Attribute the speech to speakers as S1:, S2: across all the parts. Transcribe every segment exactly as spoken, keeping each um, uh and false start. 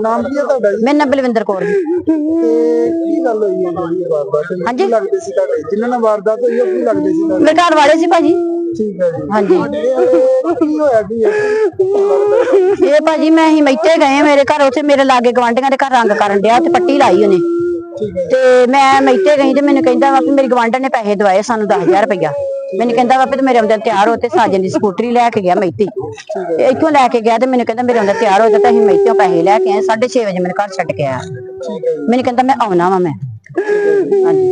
S1: ਨਾਮ ਕੀ ਹੈ ਤੁਹਾਡਾ ਜੀ?
S2: ਮੇਰਾ ਨਾਮ ਬਲਵਿੰਦਰ ਕੌਰ ਜੀ।
S1: ਤੇ ਕੀ ਗੱਲ ਹੋਈ ਹੈ ਜਿਹੜੀ ਵਾਰਦਾਤ ਹੋਈ?
S2: ਹਾਂਜੀ।
S1: ਕੀ ਲੱਗਦੇ ਸੀ ਤੁਹਾਡੇ ਜਿਨ੍ਹਾਂ ਨਾਲ ਵਾਰਦਾਤ ਹੋਈ ਉਹ ਕੀ ਲੱਗਦੇ ਸੀ ਤੁਹਾਡੇ?
S2: ਮੇਰੇ ਘਰ ਵਾਲੇ ਸੀ ਭਾਜੀ।
S1: ਠੀਕ ਹੈ ਜੀ।
S2: ਹਾਂਜੀ।
S1: ਇਹ ਕੀ ਹੋਇਆ ਕੀ
S2: ਇਹ ਭਾਜੀ ਮੈਂ ਹੀ ਮੈਥੇ ਗਏ ਮੇਰੇ ਘਰ, ਉੱਥੇ ਮੇਰੇ ਲਾਗੇ ਗਵਾਂਢੀਆਂ ਦੇ ਘਰ ਰੰਗ ਕਰਨ ਡਿਆ ਤੇ ਪੱਟੀ ਲਾਈ ਉਹਨੇ। ਤੇ ਮੈਂ ਮੈਥੇ ਗਈ ਤੇ ਮੈਨੂੰ ਕਹਿੰਦਾ ਵਾ ਵੀ ਮੇਰੀ ਗਵਾਂਢਣ ਨੇ ਪੈਸੇ ਦਵਾਏ ਸਾਨੂੰ ਦਸ ਹਜ਼ਾਰ ਰੁਪਇਆ। ਮੈਨੂੰ ਕਹਿੰਦਾ ਵਾ ਵੀ ਮੇਰੇ ਆਉਂਦੇ ਤਿਆਰ ਹੋ ਤੇ ਸਾਜਨ ਦੀ ਸਕੂਟਰੀ ਲੈ ਕੇ ਗਿਆ ਮੈਥੀ। ਤੇ ਇੱਥੋਂ ਲੈ ਕੇ ਗਿਆ ਤੇ ਮੈਨੂੰ ਕਹਿੰਦਾ ਮੇਰੇ ਆਉਂਦੇ ਤਿਆਰ ਹੋ ਜਾ, ਤੇ ਅਸੀਂ ਮੈਥੋਂ ਪੈਸੇ ਲੈ ਕੇ ਆਏ। ਸਾਢੇ ਛੇ ਵਜੇ ਮੈਨੂੰ ਘਰ ਛੱਡ ਕੇ ਆਇਆ। ਮੈਨੂੰ ਕਹਿੰਦਾ ਮੈਂ ਆਉਣਾ ਵਾ ਮੈਂ। ਹਾਂਜੀ।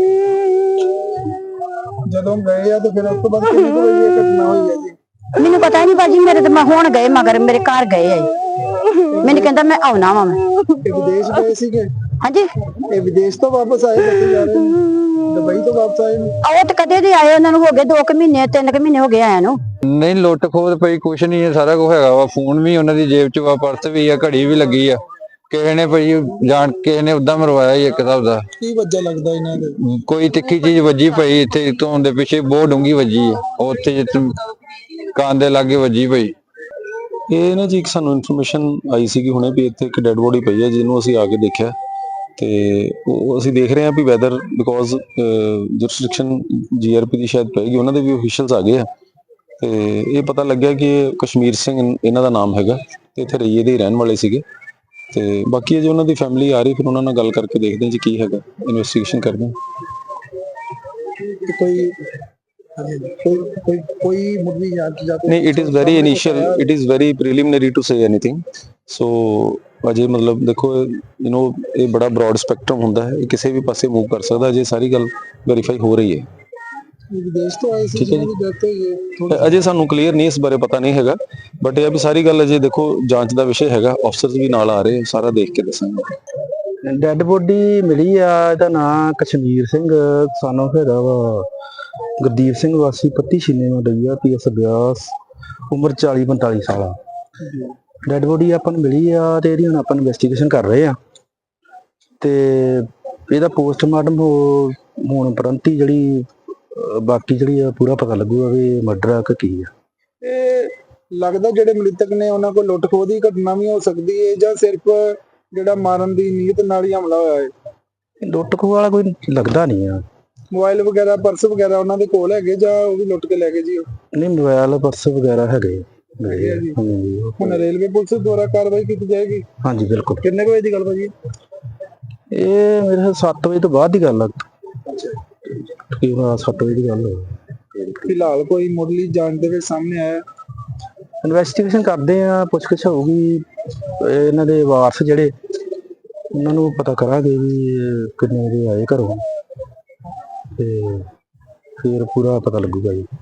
S1: ਜਦੋਂ ਗਏ ਆ ਤੇ ਫਿਰ ਉਸ ਤੋਂ ਬਾਅਦ ਕਿੰਨੀ ਕੁ ਵਜੇ ਇਹ ਘਟਨਾ ਹੋਈ ਹੈ ਜੀ?
S2: ਮੈਨੂੰ ਪਤਾ ਨਹੀਂ ਭਾਜੀ, ਮੇਰੇ ਤੇ ਮੈਂ ਹੁਣ ਗਏ ਮਗਰ ਮੇਰੇ ਘਰ ਗਏ ਆ। ਮੈਨੂੰ ਕਹਿੰਦਾ ਮੈਂ ਆਉਣਾ ਵਾ ਮੈਂ।
S1: ਇਹ ਵਿਦੇਸ਼ ਗਏ ਸੀਗੇ?
S2: ਹਾਂਜੀ।
S1: ਇਹ ਵਿਦੇਸ਼ ਤੋਂ ਵਾਪਸ ਆਏ ਬੱਚੇ ਜਾ ਰਹੇ ਨੇ, ਦੁਬਈ ਤੋਂ ਵਾਪਸ ਆਏ ਨੇ?
S2: ਉਹ ਤੇ ਕਦੇ ਦੇ ਆਏ, ਉਹਨਾਂ ਨੂੰ ਹੋ ਗਏ ਦੋ ਕੁ ਮਹੀਨੇ ਤਿੰਨ ਕੁ ਮਹੀਨੇ ਹੋ ਗਏ ਆਇਆ ਨੂੰ।
S3: ਨਹੀਂ ਲੁੱਟ ਖੋਹ ਪਈ ਕੁਛ ਨਹੀਂ ਹੈ, ਸਾਰਾ ਕੁਝ ਹੈਗਾ ਵਾ। ਫੋਨ ਵੀ ਉਹਨਾਂ ਦੀ ਜੇਬ ਚ ਵਾ, ਪਰਸ ਵੀ ਆ, ਘੜੀ ਵੀ ਲੱਗੀ ਆ। ਕਿਸੇ ਨੇ ਭਾਈ ਜਾਣ ਕਿਸੇ ਨੇ ਉਦਾਂ ਮਰਵਾਇਆ ਹੀ ਇੱਕ ਹਿਸਾਬ ਦਾ।
S1: ਕੀ ਵਜ੍ਹਾ ਲੱਗਦਾ ਇਹਨਾਂ ਦੇ?
S3: ਕੋਈ ਤਿੱਖੀ ਚੀਜ਼ ਵੱਜੀ ਪਈ ਇੱਥੇ ਤੋਂ ਦੇ ਪਿੱਛੇ, ਬਹੁਤ ਡੂੰਗੀ ਵੱਜੀ ਆ ਉੱਥੇ ਜਿੱਥੇ ਕੰਨ ਦੇ ਲਾਗੇ ਵੱਜੀ ਪਈ।
S4: ਇਹ ਨਾ ਜੀ ਇੱਕ ਸਾਨੂੰ ਇਨਫੋਰਮੇਸ਼ਨ ਆਈ ਸੀ ਕਿ ਹੁਣੇ ਵੀ ਇੱਥੇ ਇੱਕ ਡੈੱਡ ਬੋਡੀ ਪਈ ਹੈ, ਜਿਹਨੂੰ ਅਸੀਂ ਆ ਕੇ ਦੇਖਿਆ ਤੇ ਉਹ ਅਸੀਂ ਦੇਖ ਰਹੇ ਹਾਂ ਵੀ ਵੈਦਰ ਬਿਕੋਜ਼ ਜੁਰਿਸਡਿਕਸ਼ਨ ਜੀਆਰਪੀ ਦੀ ਸ਼ਾਇਦ ਪਏਗੀ, ਉਹਨਾਂ ਦੇ ਵੀ ਅਫੀਸ਼ੀਅਲਸ ਆ ਗਏ ਆ। ਤੇ ਇਹ ਪਤਾ ਲੱਗਿਆ ਕਿ ਕਸ਼ਮੀਰ ਸਿੰਘ ਇਹਨਾਂ ਦਾ ਨਾਮ ਹੈਗਾ ਤੇ ਇੱਥੇ ਰਈਏ ਦੇ ਰਹਿਣ ਵਾਲੇ ਸੀਗੇ। ਤੇ ਬਾਕੀ ਜੇ ਉਹਨਾਂ ਦੀ ਫੈਮਿਲੀ ਆ ਰਹੀ ਫਿਰ ਉਹਨਾਂ ਨਾਲ ਗੱਲ ਕਰਕੇ ਦੇਖਦੇ ਹਾਂ ਜੀ ਕੀ ਹੈਗਾ, ਇਨਵੈਸਟੀਗੇਸ਼ਨ ਕਰਦੇ ਹਾਂ।
S1: ਕੋਈ ਕੋਈ ਕੋਈ ਕੋਈ ਮੁੱਢਲੀ ਜਾਂਚ ਜਾਂ
S4: ਨਹੀਂ, it is very initial, it is very preliminary to say anything. So ਅਜੇ ਮਤਲਬ ਦੇਖੋ ਯੂ نو ਇਹ ਬੜਾ ਬ੍ਰੌਡ ਸਪੈਕਟਰਮ ਹੁੰਦਾ ਹੈ, ਇਹ ਕਿਸੇ ਵੀ ਪਾਸੇ ਮੂਵ ਕਰ ਸਕਦਾ। ਅਜੇ ਸਾਰੀ ਗੱਲ ਵੈਰੀਫਾਈ ਹੋ ਰਹੀ ਹੈ।
S1: ਵਿਦੇਸ਼ ਤੋਂ ਆਏ ਸੀ ਜਿਹਨਾਂ ਦੀ ਡੈਥ ਹੋਈ ਹੈ?
S4: ਅਜੇ ਸਾਨੂੰ ਕਲੀਅਰ ਨਹੀਂ ਇਸ ਬਾਰੇ ਪਤਾ ਨਹੀਂ ਹੈਗਾ, ਬਟ ਇਹ ਆ ਵੀ ਸਾਰੀ ਗੱਲ ਅਜੇ ਦੇਖੋ ਜਾਂਚ ਦਾ ਵਿਸ਼ੇ ਹੈਗਾ। ਅਫਸਰਸ ਵੀ ਨਾਲ ਆ ਰਹੇ, ਸਾਰਾ ਦੇਖ ਕੇ ਦੱਸਾਂਗੇ।
S5: ਡੈਡ ਬੋਡੀ ਮਿਲੀ ਆ, ਇਹਦਾ ਨਾਂ ਕਸ਼ਮੀਰ ਸਿੰਘ ਸਾਨੂੰ ਹੈਗਾ ਵਾ ਗੁਰਦੀਪ ਸਿੰਘ ਵਾਸੀ ਪੱਤੀ ਛੀਨੇ ਨੂੰ ਡਈਆ ਪੀ ਐਸ ਬਿਆਸ, ਉਮਰ ਚਾਲੀ ਪੰਤਾਲੀ ਸਾਲ ਆ। ਡੈਡ ਬੋਡੀ ਆਪਾਂ ਨੂੰ ਮਿਲੀ ਆ ਤੇ ਇਹਦੀ ਹੁਣ ਆਪਾਂ ਇਨਵੈਸਟੀਗੇਸ਼ਨ ਕਰ ਰਹੇ ਆ ਤੇ ਇਹਦਾ ਪੋਸਟਮਾਰਟਮ ਹੋਣ ਉਪਰੰਤ ਹੀ ਜਿਹੜੀ ਬਾਕੀ ਜਿਹੜੀ ਆ ਪੂਰਾ ਪਤਾ ਲੱਗੂਗਾ ਵੀ ਮਰਡਰ ਆ ਕਿ ਕੀ ਆ।
S1: ਇਹ ਲੱਗਦਾ ਜਿਹੜੇ ਮ੍ਰਿਤਕ ਨੇ ਉਹਨਾਂ ਕੋਲ ਲੁੱਟ ਖੋਹ ਦੀ ਘਟਨਾ ਵੀ ਹੋ ਸਕਦੀ ਹੈ ਜਾਂ ਸਿਰਫ ਜਿਹੜਾ ਮਾਰਨ ਦੀ ਨੀਅਤ ਨਾਲ ਹੀ ਹਮਲਾ ਹੋਇਆ ਹੈ?
S5: ਲੁੱਟ ਖੋਹ ਵਾਲਾ ਕੋਈ ਲੱਗਦਾ ਨਹੀਂ ਆ।
S1: ਮੋਬਾਈਲ ਵਗੈਰਾ ਪਰਸ ਵਗੈਰਾ ਉਹਨਾਂ ਦੇ ਕੋਲ ਹੈਗੇ ਜਾਂ ਉਹ ਵੀ ਲੁੱਟ ਕੇ ਲੈ ਗਏ ਜੀ?
S5: ਨਹੀਂ, ਮੋਬਾਈਲ ਪਰਸ ਵਗੈਰਾ ਹੈਗੇ।
S1: ਹੁਣ ਰੇਲਵੇ ਪੁਲਿਸ ਦੁਆਰਾ ਕਾਰਵਾਈ ਕੀਤੀ ਜਾਏਗੀ?
S5: ਹਾਂਜੀ ਬਿਲਕੁਲ।
S1: ਕਿੰਨੇ ਵਜੇ ਦੀ ਗੱਲ ਭਾਜੀ?
S5: ਇਹ ਮੇਰੇ ਸੱਤ ਵਜੇ ਤੋਂ ਬਾਅਦ ਦੀ ਗੱਲ ਆ। ਤਕਰੀਬਨ ਸੱਤ ਵਜੇ ਦੀ ਗੱਲ ਹੋਈ।
S1: ਫਿਲਹਾਲ ਕੋਈ ਮੁੱਢਲੀ ਜਾਂਚ ਦੇ ਵਿੱਚ ਸਾਹਮਣੇ ਆਇਆ?
S5: ਇਨਵੈਸਟੀਗੇਸ਼ਨ ਕਰਦੇ ਆ, ਪੁੱਛਗਿੱਛ ਹੋਊਗੀ। ਇਹਨਾਂ ਦੇ ਵਾਰਸ ਜਿਹੜੇ ਉਹਨਾਂ ਨੂੰ ਪਤਾ ਕਰਾਂਗੇ ਵੀ ਕਿੰਨੇ ਵਜੇ ਆਏ ਘਰੋਂ ਤੇ ਫਿਰ ਪੂਰਾ ਪਤਾ ਲੱਗੂਗਾ ਜੀ।